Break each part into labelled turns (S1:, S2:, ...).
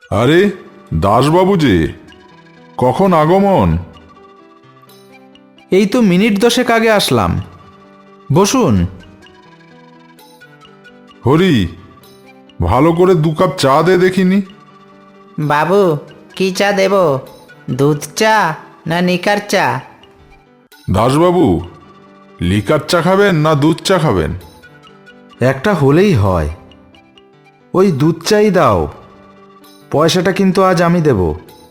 S1: আরে দাসবাবু যে, কখন আগমন?
S2: এই তো মিনিট 10 আগে আসলাম। বসুন।
S1: হরি, ভালো করে 2 কাপ চা দে দেখিনি।
S3: বাবু, কি চা দেব? দুধ চা না নিকার চা?
S1: দাসবাবু, লিকার চা খাবেন না দুধ চা খাবেন?
S2: একটা হলেই হয়। ওই দুধ চাই দাও। পয়সাটা কিন্তু আজ আমি দেব।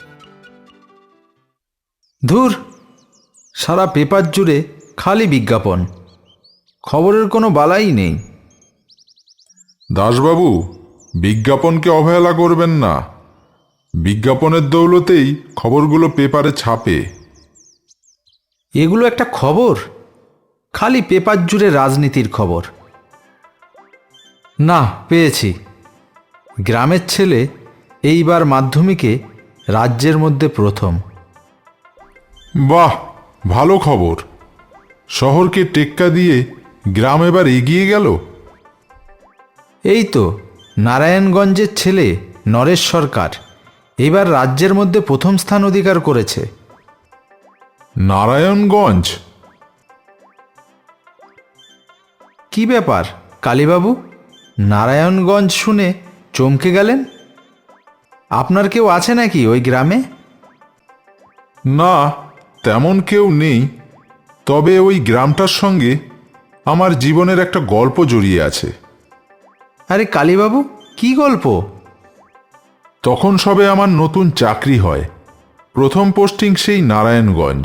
S2: ধুর, সারা পেপার জুড়ে খালি বিজ্ঞাপন, খবরের কোনো বালাই নেই।
S1: দাসবাবু, বিজ্ঞাপনকে অবহেলা করবেন না। বিজ্ঞাপনের দৌলতেই খবরগুলো পেপারে ছাপে।
S2: এগুলো একটা খবর? খালি পেপার জুড়ে রাজনীতির খবর। না, পেয়েছি। গ্রামের ছেলে এইবার মাধ্যমিকে রাজ্যের মধ্যে প্রথম।
S1: বাহ, ভালো খবর। শহরকে টেক্কা দিয়ে গ্রাম এবার এগিয়ে গেল।
S2: এই তো নারায়ণগঞ্জের ছেলে নরেশ সরকার এবার রাজ্যের মধ্যে প্রথম স্থান অধিকার করেছে।
S1: নারায়ণগঞ্জ?
S2: কি ব্যাপার কালীবাবু, নারায়ণগঞ্জ শুনে চমকে গেলেন? আপনার কেউ আছে নাকি ওই গ্রামে?
S1: না, তেমন কেউ নেই। তবে ওই গ্রামটার সঙ্গে আমার জীবনের একটা গল্প জড়িয়ে আছে।
S2: আরে কালীবাবু, কি গল্প?
S1: তখন সবে আমার নতুন চাকরি হয়। প্রথম পোস্টিং সেই নারায়ণগঞ্জ।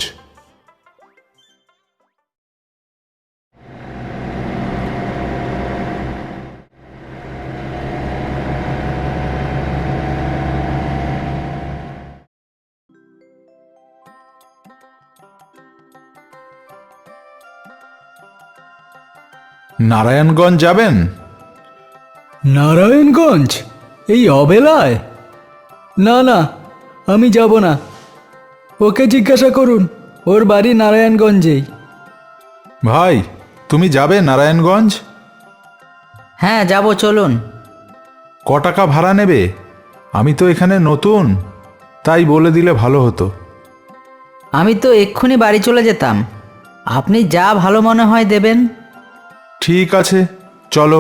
S2: নারায়ণগঞ্জ যাবেন?
S4: নারায়ণগঞ্জ এই অবেলায়? না না, আমি যাব না। ওকে জিজ্ঞাসা করুন, ওর বাড়ি নারায়ণগঞ্জেই।
S2: ভাই, তুমি যাবে নারায়ণগঞ্জ?
S3: হ্যাঁ, যাব, চলুন।
S2: ক টাকা ভাড়া নেবে? আমি তো এখানে নতুন, তাই বলে দিলে ভালো হতো।
S3: আমি তো এক্ষুনি বাড়ি চলে যেতাম। আপনি যা ভালো মনে হয় দেবেন।
S2: ঠিক আছে, চলো।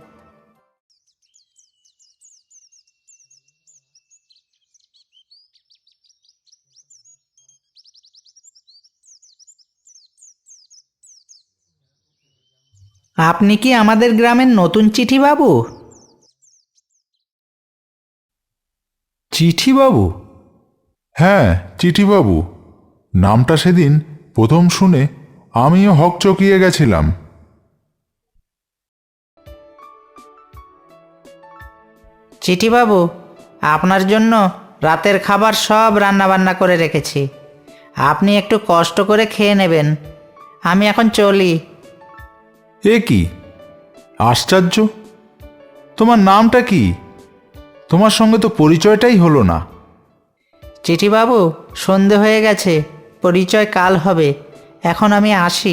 S3: আপনি কি আমাদের গ্রামের নতুন চিঠি বাবু?
S2: চিঠিবাবু?
S1: হ্যাঁ, চিঠিবাবু। নামটা সেদিন প্রথম শুনে আমিও হকচকিয়ে গেছিলাম।
S3: চিঠি বাবু, আপনার জন্য রাতের খাবার সব রান্নাবান্না করে রেখেছি। আপনি একটু কষ্ট করে খেয়ে নেবেন। আমি এখন চলি।
S2: এ কি আশ্চর্য! তোমার নামটা কি? তোমার সঙ্গে তো পরিচয়টাই হলো না।
S3: চিঠি বাবু, সন্ধে হয়ে গেছে, পরিচয় কাল হবে। এখন আমি আসি।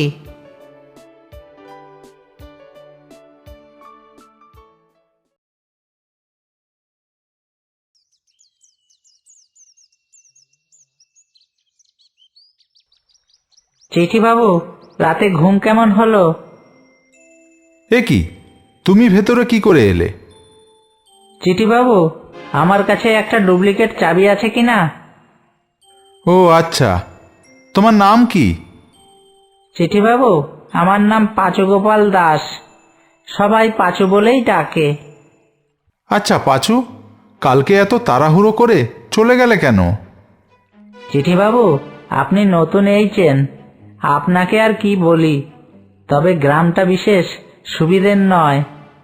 S3: চিঠি বাবু, রাতে ঘুম কেমন হলো?
S2: এ কি, তুমি ভেতরে কি করে এলে?
S3: চিঠি বাবু, আমার কাছে একটা ডুপ্লিকেট চাবি আছে কি না?
S2: ও আচ্ছা, তোমার নাম কি?
S3: চিঠি বাবু, আমার নাম পাঁচুগোপাল দাস। সবাই পাঁচু বলেই ডাকে।
S2: আচ্ছা পাঁচু, কালকে এত তাড়াহুড়ো করে চলে গেলে কেন?
S3: চিঠি বাবু, আপনি নতুন এইছেন, আপনাকে আর কি বলি। তবে গ্রামটা বিশেষ সুবিধের নয়।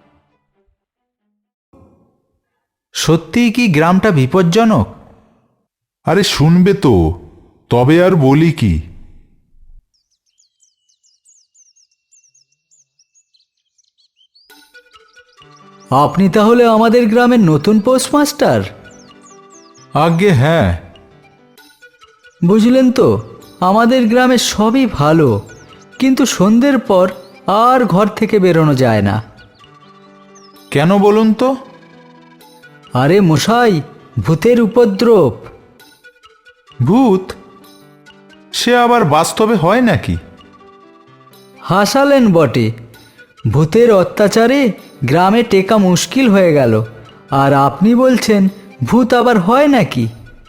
S2: সত্যিই কি গ্রামটা বিপজ্জনক?
S1: আরে শুনবে তো, তবে আর বলি কি।
S4: আপনি তাহলে আমাদের গ্রামের নতুন পোস্টমাস্টার?
S2: আজ্ঞে হ্যাঁ।
S4: বুঝলেন তো, আমাদের গ্রামে সবই ভালো, কিন্তু সন্ধ্যের পর আর ঘর থেকে বেরোনো যায় না।
S2: কেন বলুন তো?
S4: আরে মশাই, ভূতের উপদ্রব।
S1: ভূত? সে আবার বাস্তবে হয় নাকি?
S4: হাসালেন বটে। ভূতের অত্যাচারে গ্রামে টেকা মুশকিল হয়ে গেল, আর আপনি বলছেন ভূত আবার হয় নাকি?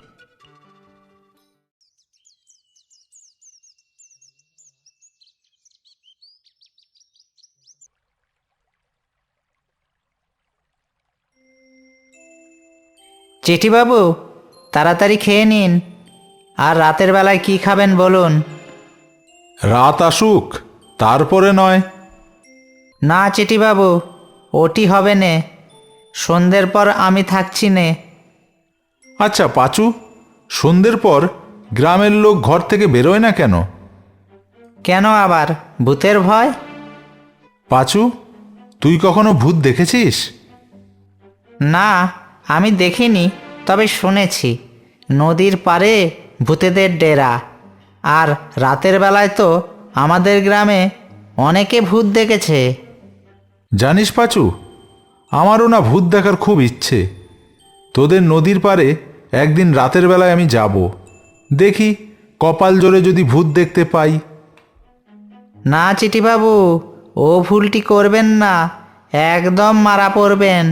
S3: চিঠিবাবু, তাড়াতাড়ি খেয়ে নিন। আর রাতের বেলায় কি খাবেন বলুন।
S1: রাত আসুক, তারপরে নয়।
S3: না চিঠিবাবু, ওটি হবে নে। সন্ধ্যের পর আমি থাকছি নে।
S1: আচ্ছা পাঁচু, সন্ধ্যের পর গ্রামের লোক ঘর থেকে বেরোয় না কেন?
S3: কেন আবার, ভূতের ভয়?
S1: পাঁচু, তুই কখনো ভূত দেখেছিস?
S3: না, আমি দেখিনি, তবে শুনেছি নদীর পাড়ে ভূতেদের ডেরা। আর রাতের বেলায় তো আমাদের গ্রামে অনেকে ভূত দেখেছে।
S1: জানিস পাঁচু, আমারও না ভূত দেখার খুব ইচ্ছে। তোদের নদীর পাড়ে একদিন রাতের বেলায় আমি যাব, দেখি কপাল জোরে যদি ভূত দেখতে পাই।
S3: না চিঠিবাবু, ও ভুলটি করবেন না, একদম মারা পড়বেন।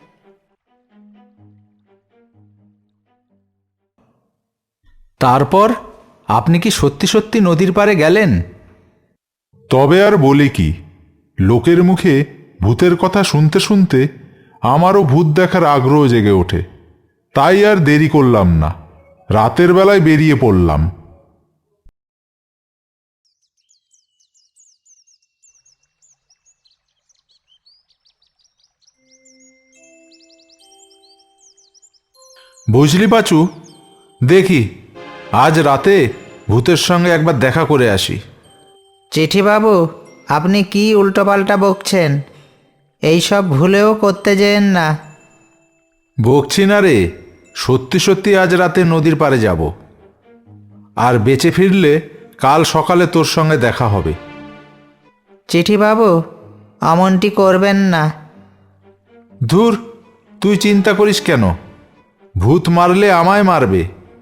S2: তারপর আপনি কি সত্যি সত্যি নদীর পাড়ে গেলেন?
S1: তবে আর বলি কি, লোকের মুখে ভূতের কথা শুনতে শুনতে আমারও ভূত দেখার আগ্রহ জেগে ওঠে। তাই আর দেরি করলাম না, রাতের বেলায় বেরিয়ে পড়লাম। বুঝলি পাচু, দেখি আজ রাতে ভূতের সঙ্গে একবার দেখা করে আসি।
S3: চিঠিবাবু, আপনি কি উল্টোপাল্টা বকছেন? এইসব ভুলেও করতে যেন না।
S1: বকছি না রে, সত্যি সত্যি আজ রাতে নদীর পাড়ে যাব। আর বেঁচে ফিরলে কাল সকালে তোর সঙ্গে দেখা হবে।
S3: চিঠিবাবু, অমনটি করবেন না।
S1: ধুর, তুই চিন্তা করিস কেন? ভূত মারলে আমায় মারবে।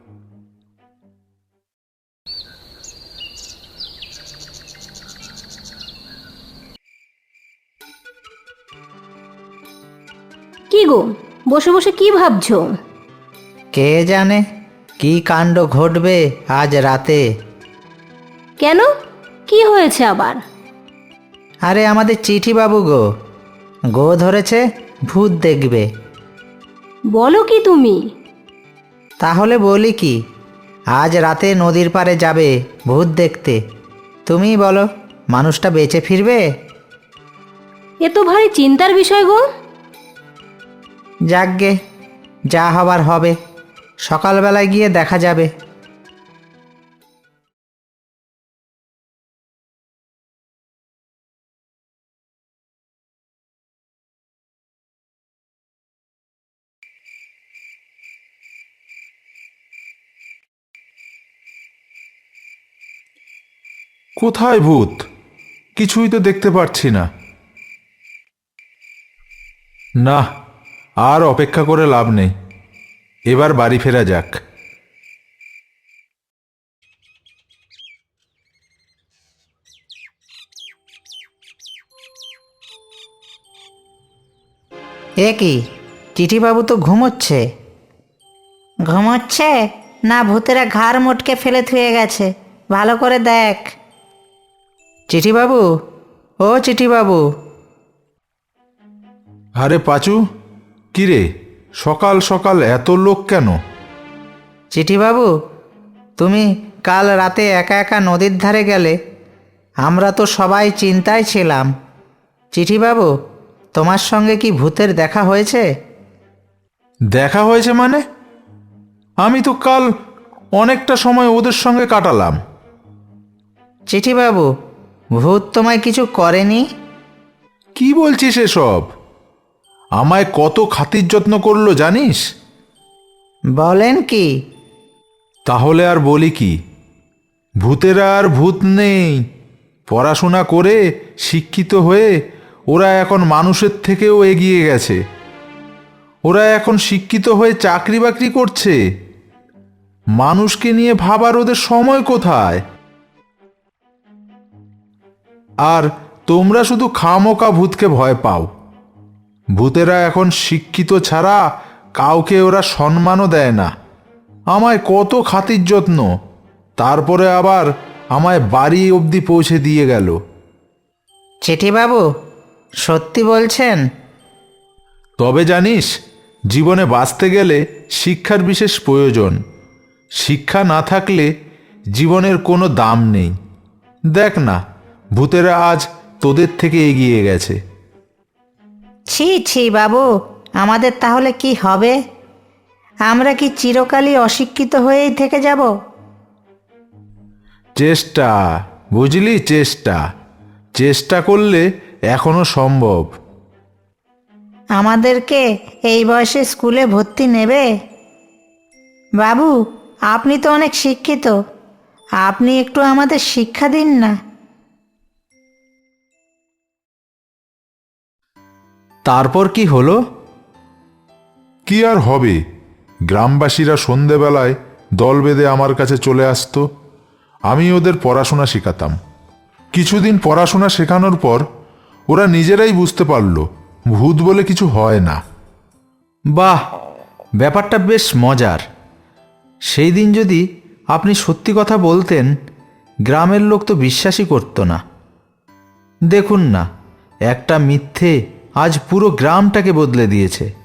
S5: কি গো, বসে বসে কি ভাবছো?
S3: কে জানে কি কাণ্ড ঘটবে আজ রাতে।
S5: কেন, কি হয়েছে আবার?
S3: আরে আমাদের চিঠিবাবু গো ধরেছে ভূত দেখবে।
S5: বলো কি তুমি?
S3: তাহলে বলি কি, আজ রাতে নদীর পাড়ে যাবে ভূত দেখতে। তুমিই বলো, মানুষটা বেঁচে ফিরবে?
S5: এ তো ভারী চিন্তার বিষয় গো।
S3: যাকগে, যা হবার হবে, সকালবেলায় গিয়ে দেখা যাবে।
S1: কোথায় ভূত? কিছুই তো দেখতে পাচ্ছি না। না, আর অপেক্ষা করে লাভ নেই, এবার বাড়ি ফেরা যাক।
S3: এ কি, চিঠিবাবু তো ঘুমোচ্ছে। ঘুমোচ্ছে না ভূতেরা ঘাড় মোটকে ফেলে থুয়ে গেছে? ভালো করে দেখ। চিঠিবাবু, ও চিঠিবাবু।
S1: আরে পাচু, কিরে, সকাল সকাল এত লোক কেন?
S3: চিঠিবাবু, তুমি কাল রাতে একা একা নদীর ধারে গেলে, আমরা তো সবাই চিন্তায় ছিলাম। চিঠিবাবু, তোমার সঙ্গে কি ভূতের দেখা হয়েছে?
S1: দেখা হয়েছে মানে? আমি তো কাল অনেকটা সময় ওদের সঙ্গে কাটালাম।
S3: চিঠিবাবু, ভূত তোমায় কিছু করেনি?
S1: কি বলছিস এসব? আমায় কত খাতির যত্ন করলো জানিস?
S3: বলেন কি?
S1: তাহলে আর বলি কি, ভূতেরা আর ভূত নেই। পড়াশোনা করে শিক্ষিত হয়ে ওরা এখন মানুষের থেকেও এগিয়ে গেছে।
S2: ওরা এখন শিক্ষিত হয়ে চাকরি বাকরি করছে। মানুষকে নিয়ে ভাবার ওদের সময় কোথায়? আর তোমরা শুধু খামোকা ভূতকে ভয় পাও। ভূতেরা এখন শিক্ষিত ছাড়া কাউকে ওরা সম্মানও দেয় না। আমায় কত খাতির যত্ন, তারপরে আবার আমায় বাড়ি অবধি পৌঁছে দিয়ে গেল।
S3: চিঠিবাবু, সত্যি বলছেন?
S2: তবে জানিস, জীবনে বাঁচতে গেলে শিক্ষার বিশেষ প্রয়োজন। শিক্ষা না থাকলে জীবনের কোনো দাম নেই। দেখ না, ভূতেরা আজ তোদের থেকে এগিয়ে গেছে।
S3: ছি ছি বাবু, আমাদের তাহলে কি হবে? আমরা কি চিরকালই অশিক্ষিত হয়েই থেকে যাব?
S2: চেষ্টা, বুঝলি, চেষ্টা। চেষ্টা করলে এখনো সম্ভব।
S3: আমাদেরকে এই বয়সে স্কুলে ভর্তি নেবে? বাবু, আপনি তো অনেক শিক্ষিত, আপনি একটু আমাদের শিক্ষা দিন না।
S2: তারপর কি হলো?
S1: কি আর হবে, গ্রামবাসীরা সন্ধেবেলায় দল বেঁধে আমার কাছে চলে আসতো। আমি ওদের পড়াশোনা শেখাতাম। কিছুদিন পড়াশোনা শেখানোর পর ওরা নিজেরাই বুঝতে পারলো ভূত বলে কিছু হয় না।
S2: বাহ, ব্যাপারটা বেশ মজার। সেই দিন যদি আপনি সত্যি কথা বলতেন, গ্রামের লোক তো বিশ্বাসই করতো না। দেখুন না, একটা মিথ্যে আজ পুরো গ্রামটাকে বদলে দিয়েছে।